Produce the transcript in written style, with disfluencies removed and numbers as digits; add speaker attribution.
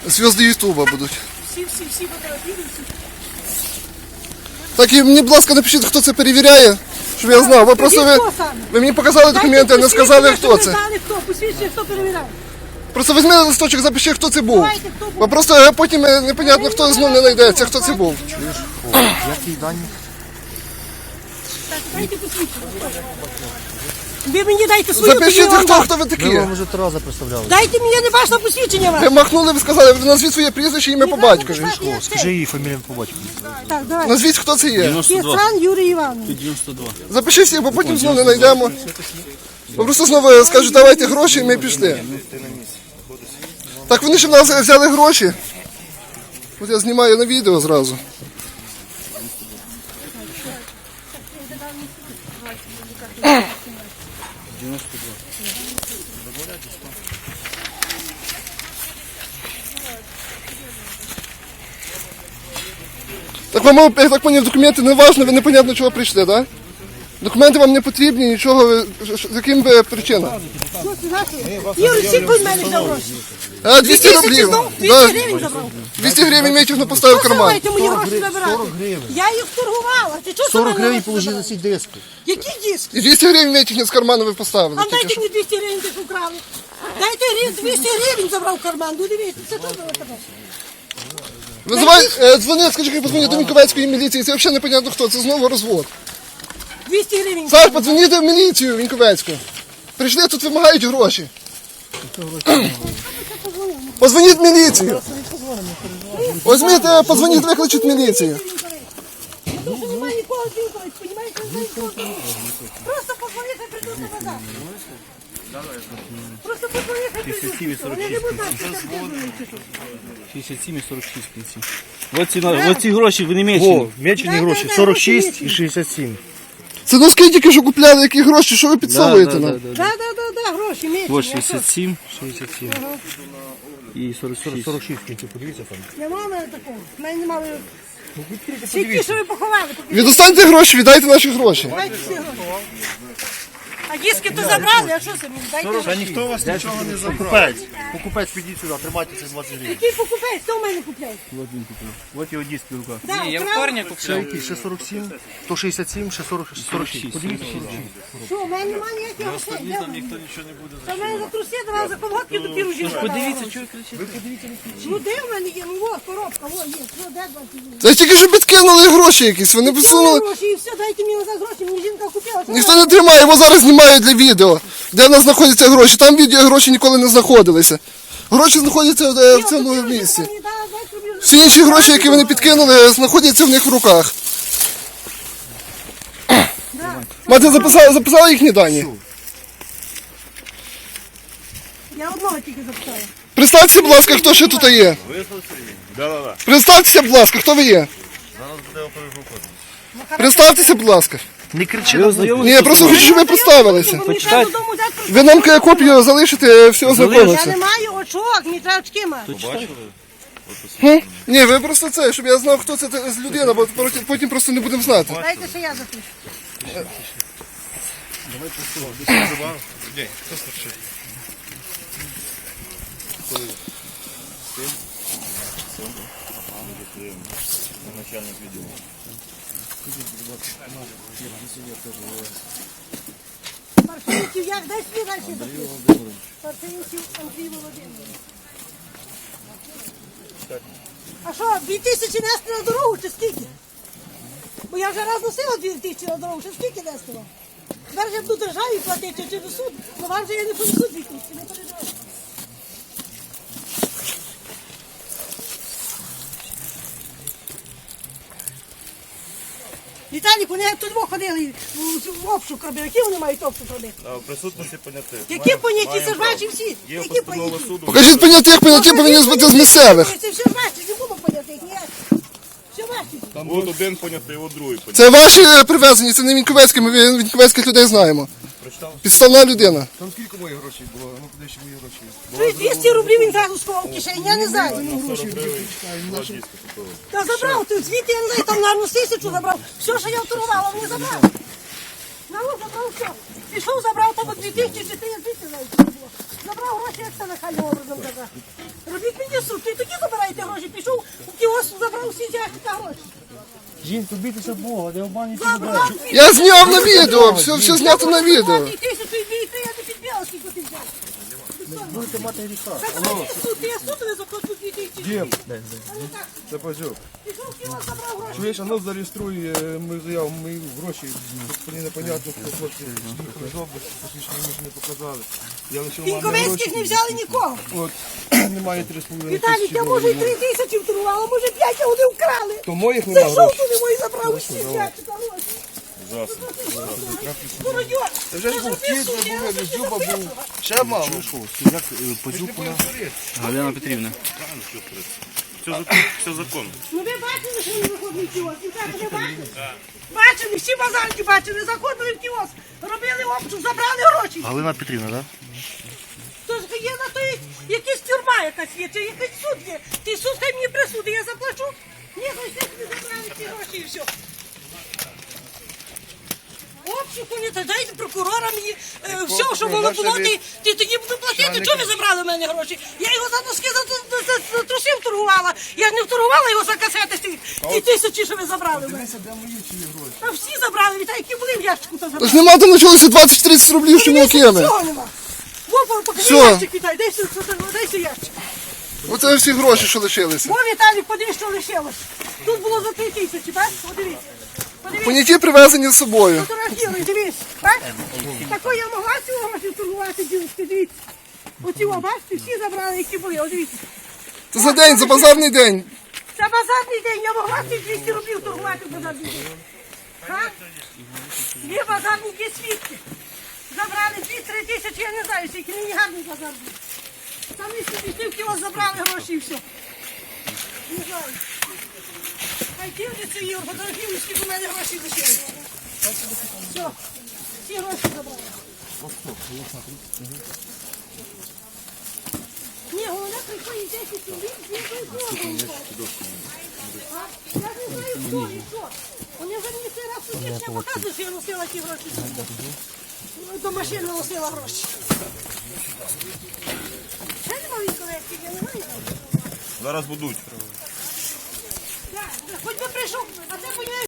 Speaker 1: Зв'язки Ютуба будуть.
Speaker 2: Всі фотографіруються.
Speaker 1: Так і мені, будь ласка, напишіть, хто це перевіряє, щоб я знав. Ви мені показали документи, а не сказали, хто це.
Speaker 2: Посвідчення, хто перевіряє.
Speaker 1: Просто візьми листочок, запиши, хто це був.
Speaker 2: Давайте, хто був.
Speaker 1: Бо просто потім непонятно, хто знову не знайдеться, хто це був.
Speaker 3: Які дані?
Speaker 2: Так, дайте посвідчення. Ви мені дайте свою
Speaker 1: Запишіть,
Speaker 2: посвідчення.
Speaker 1: хто ви такі.
Speaker 3: Ми вам вже 3 рази представляли.
Speaker 2: Дайте мені, я не бачила посвідчення вас.
Speaker 1: Ви махнули, ви сказали, назвіть своє прізвище, ім'я по батькові.
Speaker 3: Скажи її фамілію по батькові.
Speaker 2: Так, давай.
Speaker 1: Назвіть, хто це є.
Speaker 2: Кіцан Юрій Іванович.
Speaker 1: Запиши всіх, бо потім знову не знайдемо. Бо просто знову скажуть, давайте гроші, і ми пішли. Так вони ж в нас взяли гроші. От я знімаю на відео зразу. Так вам, я так поняв, документи не важливо, ви непонятно чого прийшли, так? Документи вам не потрібні, нічого, з яким би причинам?
Speaker 2: Що це наше? Юрій, всі будь мене взяв гроші.
Speaker 1: 200 рублів.
Speaker 2: 200 гривень забрав.
Speaker 1: 200 гривень Митівно поставив в карман.
Speaker 2: Давайте мої гроші забирати.
Speaker 3: 40 гривень.
Speaker 2: Я їх торгувала. Ти чого
Speaker 3: 40
Speaker 2: мене
Speaker 3: гривень
Speaker 2: гроші
Speaker 3: положили
Speaker 2: забрав?
Speaker 3: ці диски.
Speaker 2: Які диски?
Speaker 1: І 200 гривень Митівно з карману ви поставили.
Speaker 2: А
Speaker 1: тільки
Speaker 2: дайте
Speaker 1: що.
Speaker 2: мені 200 гривень, ти ж украли. Дайте 200 гривень забрав в карман. Ну дивіться, це тут було тебе.
Speaker 1: Визивай, дзвони, скажи, хай подзвонить до Віньковецької міліції, це взагалі непонятно хто, це знову розвод.
Speaker 2: 200 гривень.
Speaker 1: Саш, подзвоніть в міліцію Віньковецьку. Прийшли, тут вимагають гроші. Позвоніть в міліцію. Візьміть, подзвоніть, викличуть міліцію.
Speaker 2: Тому що немає нікого дзвінкових, понімаєте, не знаю, нікого дзвінкових. Просто позвоніть, хай прийдуть на базар. Просто позвоніть, хай прийдуть. Вони не будуть знати, що це придумають.
Speaker 4: 67 і 46 в кінці. Оці гроші ви не маєте.
Speaker 3: О, мечені гроші 46 і 67.
Speaker 1: Це носки тільки що купляли, які гроші, що ви підсовуєте нам?
Speaker 2: Да, гроші, місяці.
Speaker 4: Ось 67, 67 і 46.
Speaker 3: 46 в кінці, подивіться там.
Speaker 2: Нема в мене такого. В мене немає. Всі ті, що ви поховали.
Speaker 1: Відостаньте гроші, віддайте наші гроші.
Speaker 2: Дайте всі гроші. А диски то забрали, а що це мені? Дайте гроші.
Speaker 3: Ніхто вас нічого не забрав. Покупець, підіть сюди, тримайте ці 20 гривень.
Speaker 2: Який покупець? Хто в мене купляє?
Speaker 3: Ось його диски в руках.
Speaker 2: Да, я вторник
Speaker 3: Ще який? Ще 47, то 67, ще 46. Подивіться, 46.
Speaker 2: Що, в мене немає ніяких грошей. Ніхто нічого не буде. Та в мене за труси давав, за колготки до піружі. Подивіться, що ви кричите. Ну де в мене є? Ну ось коробка, ось є. Що, де 20 гривень?
Speaker 1: Це тільки що підкинули гроші якісь, вони підсунули.
Speaker 2: Гроші і все, дайте мені назад гроші, мені жінка купила.
Speaker 1: Ніхто не тримає, його зараз знімають для відео, де в нас знаходяться гроші. Там відео гроші ніколи не знаходилися. Гроші знаходяться в цьому місці. Всі інші гроші, які вони підкинули, знаходяться в них в руках. Мати записала їхні дані.
Speaker 2: Я одного тільки запитала.
Speaker 1: Представтеся, будь ласка, хто ще тут є. Представтеся, будь ласка, хто ви є. Представтеся, будь ласка.
Speaker 3: Не кричи
Speaker 4: Ви
Speaker 3: на
Speaker 4: ознайомилися?
Speaker 1: Ні, я просто хочу, щоб ви представилися.
Speaker 2: Мені треба додому взяти.
Speaker 1: Ви нам копію залишите, все
Speaker 2: Я
Speaker 1: ознакомитися.
Speaker 2: не маю очок, мені треба очки мати.
Speaker 1: Ні, ви просто це, щоб я знав, хто це з людина, бо потім просто не будемо знати.
Speaker 2: Дайте ще я запишу. Парфеньків, як дай свій далі запишу. Парфеньків Андрій Володимирович. А що, 2000 нести на дорогу чи скільки? Бо я вже раз носила 2000 на дорогу, чи скільки нести вам? Зараз я буду державі платити чи до суду, але вам же я не понесу 2000, не переживайте. Віталік, вони як тут ходили в обшук робили. Які вони мають обшук робити?
Speaker 5: В присутності понятих.
Speaker 2: Які поняті? Це ж ваші всі.
Speaker 5: Є
Speaker 2: Які
Speaker 5: постанова
Speaker 2: поняті?
Speaker 5: суду.
Speaker 1: Покажіть понятих повинні бути з місцевих.
Speaker 2: Це все ваші, не було понятих ніяк. Все ваші.
Speaker 5: От один понятий, от другий понятий.
Speaker 1: Це ваші привезені, це не Віньковецькі, ми Віньковецьких людей знаємо. Підставна людина.
Speaker 3: Там скільки моїх грошей було? Ну куди ще мої гроші?
Speaker 2: Чуєш, 200 рублів він зразу сховав в кишені, я не знаю. Та забрав, ти звідти, я не знаю, там, наверное, 1000 забрав. Все, що я вторгувала, вони забрали. На, забрав все. Пішов, забрав там 2000 чи 3000, навіть не було. Забрав гроші, як це нахальним образом забрати. Робіть мені суд, ти тоді забираєте гроші. Пішов у кіоск, забрав всі ящика гроші.
Speaker 3: Жінку, бійтеся Бога, не обманюйте.
Speaker 2: Забрав.
Speaker 1: Я зняв на відео, все знято на відео.
Speaker 2: 1200, я не підбила, скільки ти взяв.
Speaker 3: Будете мати гріха.
Speaker 2: Забрав суд, я суд не заплачу 2000.
Speaker 6: Дім,
Speaker 2: А ну так,
Speaker 6: це Пазюк.
Speaker 2: пішов в кіоск, забрав гроші.
Speaker 6: Чуєш, а ну зареєструй мою заяву, мої гроші. Мені непонятно, хто хлопці їхали з області, посвідчення мені ще не показали. Я лишив мамі
Speaker 2: Інковецьких не
Speaker 6: гроші.
Speaker 2: взяли нікого.
Speaker 6: От, немає 3,5
Speaker 2: Віталій,
Speaker 6: тисячі
Speaker 2: я може і
Speaker 6: доларів.
Speaker 2: 3000 вторгувала, може 5, а вони вкрали.
Speaker 6: То моїх немає
Speaker 2: Зайшов
Speaker 6: грошей.
Speaker 2: туди мої забрав усі ящика гроші.
Speaker 5: Ужасно.
Speaker 2: Молодь,
Speaker 6: Це вже ж був кіт, вже був, Дзюба був. Ще мало.
Speaker 4: Як Пазюкуна Галина Петрівна.
Speaker 5: Все законно.
Speaker 2: Ну ви бачили, що він виходить в кіоск? Віталій, ви бачили? Бачили, всі базарки бачили, заходили в кіоск, робили обшук, забрали гроші.
Speaker 3: Галина Петрівна, так?
Speaker 2: Тож є на то якась тюрма якась є, чи якийсь суд є. Ти суд хай мені присуди, я заплачу. Ні, ну все собі забрали ці гроші і все. Обшуку не та дайте прокурора мені все, що воно було, ти тоді буду платити. Чого ви забрали в мене гроші? Я його за носки за трусів торгувала. Я ж не вторгувала його за касети, ті тисячі, що ви забрали в мене.
Speaker 6: Де мої чиї гроші?
Speaker 2: Та всі забрали, Віталій, які були в ящику, то
Speaker 1: Тож
Speaker 2: забрали.
Speaker 1: нема там почалося 20-30 рублів, що мілкими.
Speaker 2: Цього нема. Во, покажи
Speaker 1: Все.
Speaker 2: ящик, Віталій, дай сюди ящик.
Speaker 1: Оце всі гроші, що лишилися.
Speaker 2: Во, Віталій, подивись, що лишилось. Тут було за 3000, бачиш? Подивись. Подивись.
Speaker 1: Поняті привезені з собою.
Speaker 2: Фотографіруй, дивись. Бачиш? Такої я могла цього гроші торгувати, дівчатки, дивіться. Оці, о, бачите, всі забрали, які були, о, дивіться.
Speaker 1: Це за день, за базарний день.
Speaker 2: Це базарний день, я могла ці 200 рублів торгувати в базарний день. Га? Є базарні, є свідки. Забрали 2-3 тисячі, я не знаю, скільки мені гарний базар був. Там і собі в кіоск забрали гроші і все. Не знаю. Хай дивляться і фотографірують, скільки в мене грошей лишилось. Все, всі гроші забрали. Ні, головне приходить 10 чоловік, з якою формою. Я не знаю, хто і що. Вони вже мені цей раз сусідня показують, що я носила ті гроші. До машини носила гроші. Ще немає колекції, я не маю.
Speaker 5: Зараз будуть.
Speaker 2: Так, хоч би прийшов, а це, понімаєш,